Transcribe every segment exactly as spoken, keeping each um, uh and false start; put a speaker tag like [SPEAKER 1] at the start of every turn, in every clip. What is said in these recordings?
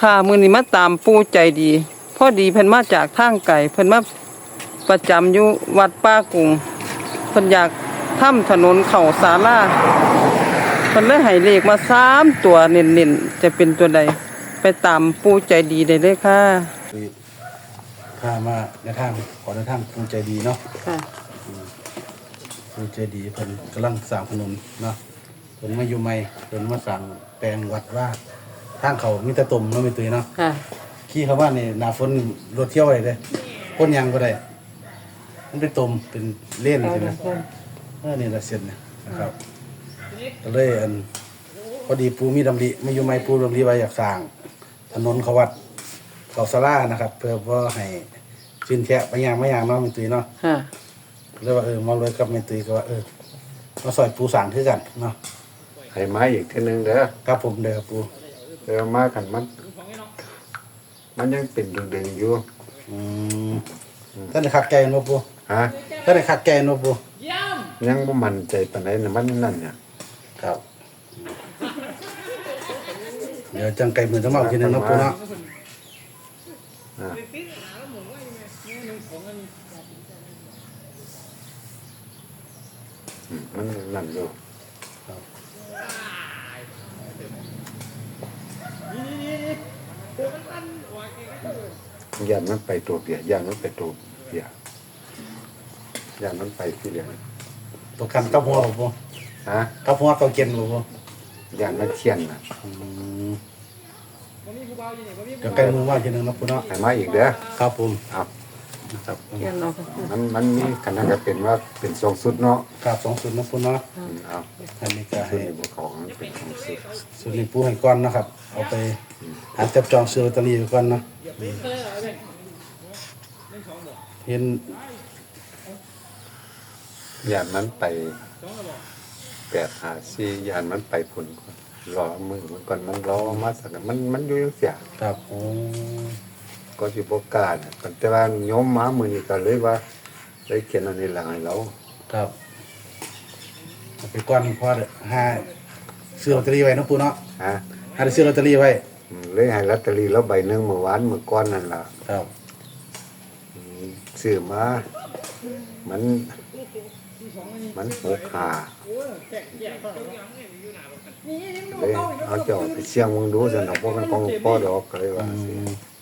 [SPEAKER 1] ค่ะมื้อนี้มาตามปู่ใจดีพอดีเพิ่นมาจากทางไกลเพิ่นมาประจำอยู่วัดป้ากุงเพิ่นอยากทำถนนเข้าศาลาเพิ่นเลยให้เลขมาสามตัวเน้นๆจะเป็นตัวใดไปตามปู่ใจดีได้เลยค่ะ
[SPEAKER 2] คือพามาในทางขอในทางภูใจดีเนาะ
[SPEAKER 1] ค่ะ
[SPEAKER 2] ภูใจดีเพิ่นกำลังสร้างถนนเนาะเพิ่นมาอยู่ใหม่เพิ่นมาสร้างแปลงวัดว่าทางเขามีแต่ตุ่มเนาะมีตุ้ยเนาะ
[SPEAKER 1] ค่ะ
[SPEAKER 2] ขี่เข้ามานี่หน้าฝนรถเที่ยวได้เด้คนยางบ่ได้มันเป็นตุ่มเป็นเลนใช่มั้ยเออนี่ละเส้นเนี่ยนะครับก็เลยอันพอดีปูมีดำริมาอยู่ใหม่ปูดำริว่าอยากสร้างถนนเขาวัดเขาศาลานะครับเพื่อว่าให้ชินแฉะไปย่างไม่ย่างเนาะมีตุ้ยเนาะ
[SPEAKER 1] ค่ะ
[SPEAKER 2] เลยว่าเออมาเลยกับแม่ตุ้ยก็ว่าเออมาซอยปูสร้างคือกันเนาะ
[SPEAKER 3] ให้มาอีกทีนึงเด้อ
[SPEAKER 2] ครับผมเด้อปู
[SPEAKER 3] เดี๋ยวมากันมันมันยังเป็นดึงๆอยู่
[SPEAKER 2] อืมท่านได้คักแกนบ่ปู
[SPEAKER 3] ฮะ
[SPEAKER 2] ท่านได้คักแกนบ่ปู
[SPEAKER 3] ยังบ่มั่นใจปานใดน่ะมันนั่นเนี่ย
[SPEAKER 2] ครับเดี๋ยวจังไก่มือต้องมาอีกทีนึงเนาะปูเนาะ
[SPEAKER 3] อ่ามันนั่นอยู่ย่านมันไปตัวเปียย่านมันไปตัวเปียย่านมันไปที่เดียว
[SPEAKER 2] ตัวกันกับหัวบ่ปู
[SPEAKER 3] ฮะ
[SPEAKER 2] กับหัวกับเก็นบ่ปู
[SPEAKER 3] ย่านมันเชียนน่ะ
[SPEAKER 2] อืมเดี๋ยวไก่มือว่าอีกทีนึงเนาะปูเนาะ
[SPEAKER 3] ให้มาอีกเด้อ
[SPEAKER 2] ครับผม
[SPEAKER 3] ครับ
[SPEAKER 2] ครับ
[SPEAKER 3] มันมันมีขนาดก็เป็นว่าเป็นสองสุดเนาะ
[SPEAKER 2] ครับสองสุดเนาะปูเนาะ
[SPEAKER 3] เอา
[SPEAKER 2] อันนี้ก็
[SPEAKER 3] สุ
[SPEAKER 2] ให้
[SPEAKER 3] ดนี้บ่ของมันเป็นสองสุด
[SPEAKER 2] สุดนี้ปูให้ก่อนนะครับเอาไปหาจับจองซื้อลอตเตอรี่ไว้ก่อนเนาะเห็น
[SPEAKER 3] ยานมันไปแปดหาสี่ยานมันไปผลก่อนรอมือมันก่อนมันรอมาสักมันมันอยู่ยังเสีย
[SPEAKER 2] ครับโอ้
[SPEAKER 3] ก็สิบกล้าเนี่ยแต่ว่าโยมมามือนี้ก็เลยว่าเลยเขียนอันนี้หลังให้เรา
[SPEAKER 2] ครับเอาไปก่อนพอหาซื้อลอตเตอรี่ไว้เนาะปูเนาะ
[SPEAKER 3] ฮะ
[SPEAKER 2] หาได้ซื้อลอตเตอรี่ไว้
[SPEAKER 3] เลยให้ลอตเตอรี่แล้วใบหนึงเมื่อวานเมื่อก่อนนั่นล่ะ
[SPEAKER 2] ครับ
[SPEAKER 3] ซื้อมามันมันหกหาเลยเอาเจ้าไปเสี่ยงมึงดูสนอกว่ามันของพ่อดอกเลยว่าสิ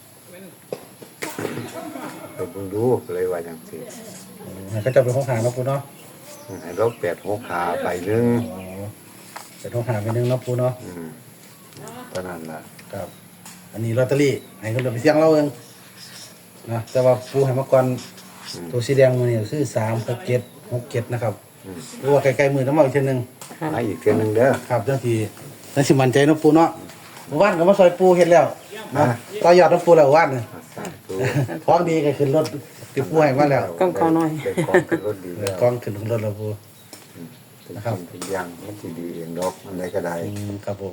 [SPEAKER 3] ไปมึงดูเลยว่าจังซี่
[SPEAKER 2] ให้เขาจะไปห้องหาเนาะปูเนาะ
[SPEAKER 3] ให้เราแปดหกขาไปหนึ่ง
[SPEAKER 2] ไปห้องหาไปหนึ่งเนาะปูเนาะ
[SPEAKER 3] อืมตอนนั้นล่ะ
[SPEAKER 2] ครับอันนี้ลอตเตอรี่ให้เขาจะไปเสี่ยงเราเองนะแต่ว่าปูให้มาก่อนตัวสีแดงมือนี่คือสามหกเจ็ดหกเจ็ดนะครับหรือว่าใกล้ๆมือน้ำมันอีกทีนึง
[SPEAKER 3] มาอีกเทีนึงเด้อ
[SPEAKER 2] ครับจังทีนั่นสิมันใจเนาะปูเนาะเมื่อวานก็มาซอยปูเฮ็ดแล้วนะต่อยอดน้ำปูแล้ววันนึงท้องดีก็ขึ้นรถติดปูให้มาแล้ว
[SPEAKER 1] กองเขาหน่อย
[SPEAKER 3] กองขึ้นรถดีแล้ว
[SPEAKER 2] กองขึ้นรถแล้วปู
[SPEAKER 3] นะครับเป็นยังมันสิดีเองดอกอันใดก็ได้
[SPEAKER 2] ครับผม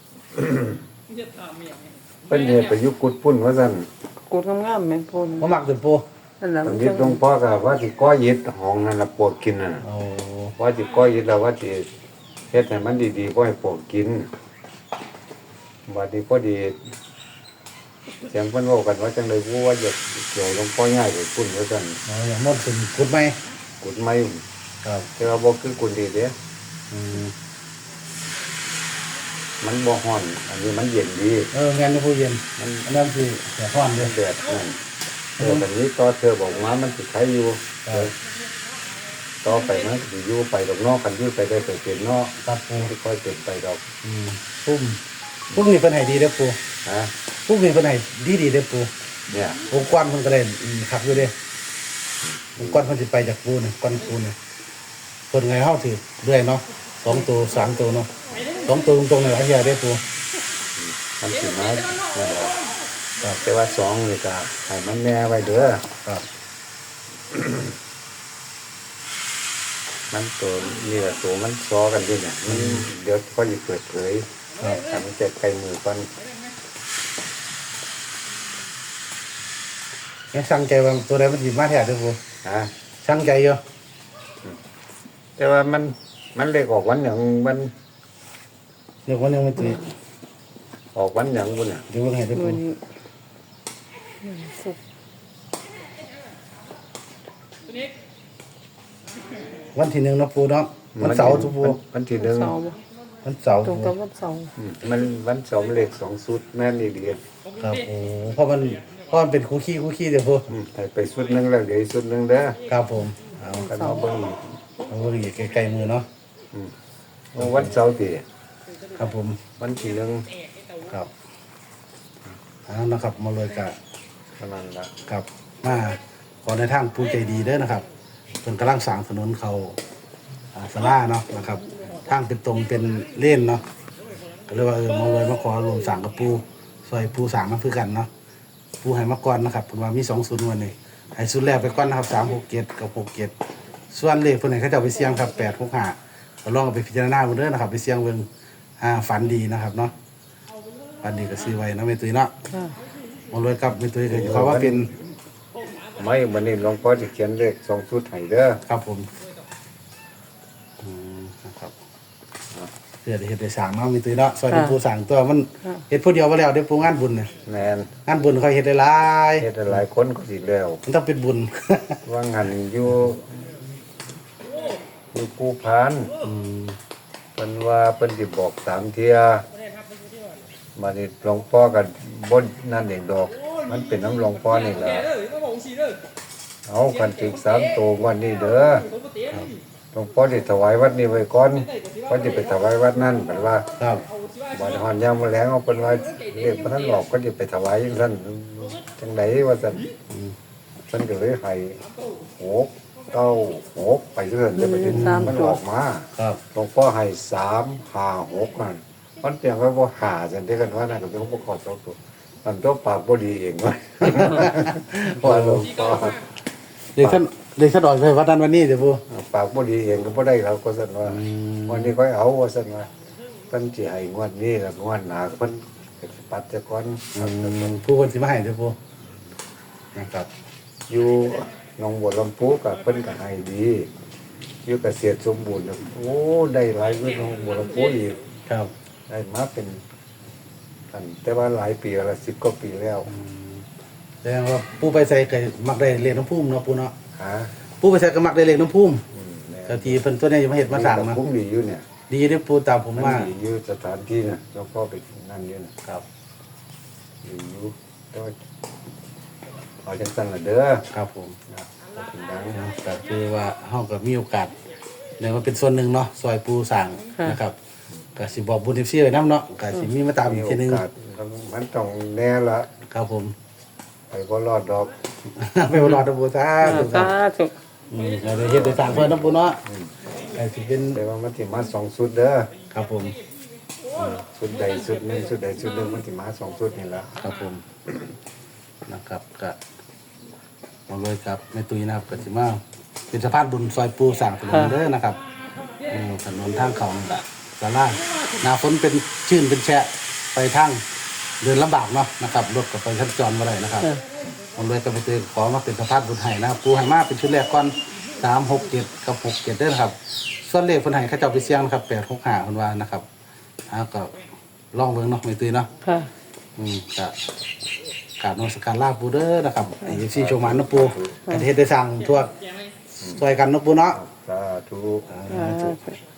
[SPEAKER 3] เพิ่นเฮ็ดไปยุกุดพุ่นว่าซั่น
[SPEAKER 1] กูทำงามแม่นปู
[SPEAKER 2] บ่มักตึปู
[SPEAKER 1] นั่นล่ะ
[SPEAKER 3] มันยึดหลวงพ่อก็ว่าสิก้อยยึดห้องนั่นล่ะปวดกินน่ะ
[SPEAKER 2] โอ้
[SPEAKER 3] ว่าสิก้อยยึดแล้วว่าสิเฮ็ดให้มันดีๆบ่ให้ปวดกินบัดนี้พอดีเสียงเพิ่นเว้ากันว่าจังได๋บ่ว่าอยากเกี่ยวหลวงพ่อย้ายไปพุ่นว่าซั่น
[SPEAKER 2] อ๋ออย่างมดขึ้นกุดไหม
[SPEAKER 3] กุดไม้
[SPEAKER 2] ครับ
[SPEAKER 3] แต่ว่าบ่คือกุดดีเด้
[SPEAKER 2] อืม
[SPEAKER 3] มันบ่ร้อนอันนี้มันเย็นดี
[SPEAKER 2] เออแม่นผู้เย็นมันอันนั้นสิแดดร้อนเด้อ
[SPEAKER 3] แดดนั่นเออแบบนี้ต่อเธอบอกมามันสิใช้อยู่ต่อไปมันสิอยู่ไปดอกนอกกันอยู่ไปได้ไปเป็นนอก
[SPEAKER 2] ครับปู
[SPEAKER 3] ค่อยเป็นไปดอก
[SPEAKER 2] อืมปุ้มปุ้มนี่เพิ่นให้ดีเด้อปู
[SPEAKER 3] ฮะ
[SPEAKER 2] ปุ้มนี่เพิ่นให้ดีๆเด้อปู
[SPEAKER 3] เนี่ย
[SPEAKER 2] องค์กรเพิ่นก็ได้คักอยู่เด้องค์กรเพิ่นสิไปจากปูนี่ก้อนปูนี่เพิ่นไงเฮาสิเรื่อยเนาะสองตัวสามตัวเนาะสองตัวตรงๆนี่หลายอย่างเด้อปู
[SPEAKER 3] มันสิมาครับแต่ว่าสองนี่ก็ให้มันแน่ไว้เด้อ
[SPEAKER 2] ครับ
[SPEAKER 3] มันตัวนี่ล่ะตัวมันซ้อกันอยู่เนี่ยมันเดี๋ยวค่อยสิเปิดเผยครับทำเสร็จใกล้มือก่อน
[SPEAKER 2] ยังสั่งใจว่าตัวใดมันสิมาแท้เด้อปู
[SPEAKER 3] ฮะ
[SPEAKER 2] สั่งใจอยู่
[SPEAKER 3] แต่ว่ามันมันเลขออกวันหนึ่งมัน
[SPEAKER 2] เรียกว่านึงมันสิ
[SPEAKER 3] ออกวันหยังบุญเนี่ย
[SPEAKER 2] เดี๋ยวเบิ่งให้ได้อ
[SPEAKER 1] มื้
[SPEAKER 2] ปู
[SPEAKER 1] อนี้สุก
[SPEAKER 2] วันที่หนึ่งเนาะปูเนาะวันเสาร์ทุกปู
[SPEAKER 3] วันที่หนึ่ง
[SPEAKER 1] เสาร์บ่
[SPEAKER 2] วันเสาร์
[SPEAKER 1] ตรงกับวันเสาร์
[SPEAKER 3] อืมมันวันสองเลขสองสุดแม่นอีเดีย
[SPEAKER 2] ครับโอ้เพราะมันเพราะมันเป็นคู่ขี้คู่ขี้เดี๋ยวปู
[SPEAKER 3] ให้ไปสุดหนึงแล้วเดี๋ยวอีกสุดหนึงเด้อ
[SPEAKER 2] ครับผมเอา
[SPEAKER 3] กันมาเบิ่งอีก
[SPEAKER 2] เอาเบิ่งอีกใกล้ๆมือเนาะ
[SPEAKER 3] วันเสาร์ติ
[SPEAKER 2] ครับผม
[SPEAKER 3] วันที่หนึ่ง
[SPEAKER 2] ครับเอานะครับมาเลยกับ
[SPEAKER 3] เท่านั้นละ
[SPEAKER 2] กับมาขอในทางผู้ใจดีเด้อนะครับเพิ่นกำลังสร้างถนนเขาอ่าสลาเนาะนะครับทางเป็นตรงเป็นเล่นเนาะก็เลยว่าเออมาเลยมาขอรวมสร้างกับปูซอยปูสร้างมาคือกันเนาะปูให้มาก่อนนะครับเพิ่นว่ามีสองศูนย์วันนี้ให้ศูนย์แรกไปก่อนนะครับสามหกเจ็ดกับหกเจ็ดส่วนเลขเพิ่นให้เขาเจ้าไปเสี่ยงครับแปดหกห้าก็ลองเอาไปพิจารณาเบิ่งเด้อนะครับ ไปเสี่ยงเบิ่งอ่าฝันดีนะครับเนาะฝันดีก็ซื้อไว้เนาะแม่ตุ้ยเนาะ
[SPEAKER 1] ค่ะ
[SPEAKER 2] มาเลยกับแม่ตุ้ยก็ขอว่าเป็น
[SPEAKER 3] ไม่วันนี้หลวงพ่อจะเขียนเลขสองสุดให้เด้อ
[SPEAKER 2] ครับผมอืมนะครับเพื่อได้เฮ็ดได้สร้างเนาะมีตุ้ยเนาะซอยเป็นผู้สร้างตัวมันเฮ็ดผู้เดียวบ่แล้วได้ผู้งานบุญเนี่ย
[SPEAKER 3] แม่น
[SPEAKER 2] งานบุญเขาเฮ็ดได้หลาย
[SPEAKER 3] เฮ็ดหลายคนก็สิแล้ว
[SPEAKER 2] มันต้องเป็นบุญ
[SPEAKER 3] ว่างหันอยู่อยู่กูพาน
[SPEAKER 2] อืม
[SPEAKER 3] เพิ่นว่าเพิ่นสิบอกสามเที่ยบัดนี้หลวงพ่อก็บ่นั่นเองดอก มันเป็นน้ำหลวงพ่อนี่ล่ะเอากันถึงสามตัววันนี้เด้อหลวงพ่อสิถวายวัดนี้ไว้ก่อนเพิ่นสิไปถวายวัดนั้นเพิ่นว่า
[SPEAKER 2] ครับ
[SPEAKER 3] บัดฮอนยามมื้อแลงเอาเพิ่นว่าเรียกบ่ทันหลอกก็สิไปถวายจังซั่นจังไดว่าซั่นเพิ่นก็เลยให้หกเก้าหกไปเรื่อยเลยไปถึงมันออกมา
[SPEAKER 2] ครับ
[SPEAKER 3] หลวงพ่อให้สามห้าหกนั่นมันเปลี่ยนไว้บ่หาจังได้กันว่านั่นก็เป็นของบ่ขอสองตัวมันตัวปากบ่ดีเองว่า ว่าหลวงพ่อ
[SPEAKER 2] เด็กท่านเด็กท่านออกไปวัดนั้นวันนี้เดี๋ยวปู
[SPEAKER 3] ปากบ่ดีเองก็บ่ได้เราก็ซั่นว่า
[SPEAKER 2] อืม
[SPEAKER 3] วันนี้ค่อยเอาว่าซั่นว่าเพิ่นสิให้งวดนี้แล้วงวดหน้าเพิ่นก็สิปัดซะก่อน
[SPEAKER 2] อืมผู้คนสิมาให้เดี๋ยวปูนะครับ
[SPEAKER 3] อยู่หนองบัวลำพูก็เพิ่นก็ให้ดีอยู่เกษตรสมบูรณ์น่ะโอ้ได้หลายกว่าหนองบัวลำพูอีก
[SPEAKER 2] ครับ
[SPEAKER 3] ได้มาเป็นอันแต่ว่าหลายปีละสิบกว่าปีแล้ว
[SPEAKER 2] แสดงว่าผู้ไปใส่ก็มักได้เลขน้ำพุ่มเนาะปูเนาะ
[SPEAKER 3] หา
[SPEAKER 2] ผู้ไปใส่ก็มักได้เลขน้ำพุ่ม
[SPEAKER 3] อืมแน่
[SPEAKER 2] แต่ทีเพิ่นตัวเนี้จะมาเฮ็ดมาสร้าง
[SPEAKER 3] นี่
[SPEAKER 2] มา
[SPEAKER 3] ก็ผมดีอยู่เนี่ย
[SPEAKER 2] ดีเด้อปูตามผม
[SPEAKER 3] มัน
[SPEAKER 2] ว่า
[SPEAKER 3] ดีอยู่สถานที่น่ะแล้วก็ไปนั่นอยู่น่ะครับดีอยู่แต่ว่าเอาจังซั่นล่ะเด้อ
[SPEAKER 2] ครับผม
[SPEAKER 3] นะบ่เป็นหยัง
[SPEAKER 2] ก็คือว่าเฮาก็มีโอกาสได้มาเป็นส่วนหนึ่งเนาะซอยปูสร้างนะครับก็สิบอกบุญ เอฟ ซี ไว้นํเนาะก็สิมีมาตามอีกทีหนึง
[SPEAKER 3] มีโอกาสมันต้องแน่ละ
[SPEAKER 2] ครับผม
[SPEAKER 3] ไปบ่รอดดอก
[SPEAKER 2] ไปบ่รอดนะปูซาธุค
[SPEAKER 1] สา
[SPEAKER 2] รับ
[SPEAKER 1] ธุ
[SPEAKER 2] อืมก็ได้เฮ็ดได้สร้างเพิ่นนะปูเนาะก็สิเป็น
[SPEAKER 3] แต่ว่ามันสิมาสองสุดเด้อ
[SPEAKER 2] ครับผม
[SPEAKER 3] สุดใดสุดหนึงสุดใดสุดหนึงมันสิมาสองสุดนี่ล่ะ
[SPEAKER 2] ครับผมนะครับก็มาเลยครับแม่ตุ้ยนะครับก็สิมาเป็นสะพานบุญซอยปูสร้างถนนเด้อนะครับอืมถนนทางเขาศาลาหน้าฝนเป็นชื้นเป็นแฉะไปทางเดินลำบากเนาะนะครับรถก็ไปสัญจรบ่ได้นะครับ ผมเลยก็ไปเจอขอมาเป็นสภาพบุญไห้นะครับปูไห้มาเป็นชุดแรกก่อนสามหกเจ็ดกับหกเจ็ดเด้อนะครับ ส่วนเลขคนไห้เขาเจ้าไปเสี่ยงนะครับแปดหกห้าคนว่านะครับอ่าก็ลองเบิ่งเนาะไม่ตื่นเนาะ
[SPEAKER 1] ค่ะ
[SPEAKER 2] อืมก็กราบนมัสการลาปูเด้อนะครับไอ้ซีโชว์มันเนาะปูกันเฮ็ดได้สั่งทั่วซอยกันเนาะปูเนาะ
[SPEAKER 3] สาธุ
[SPEAKER 1] สาธุ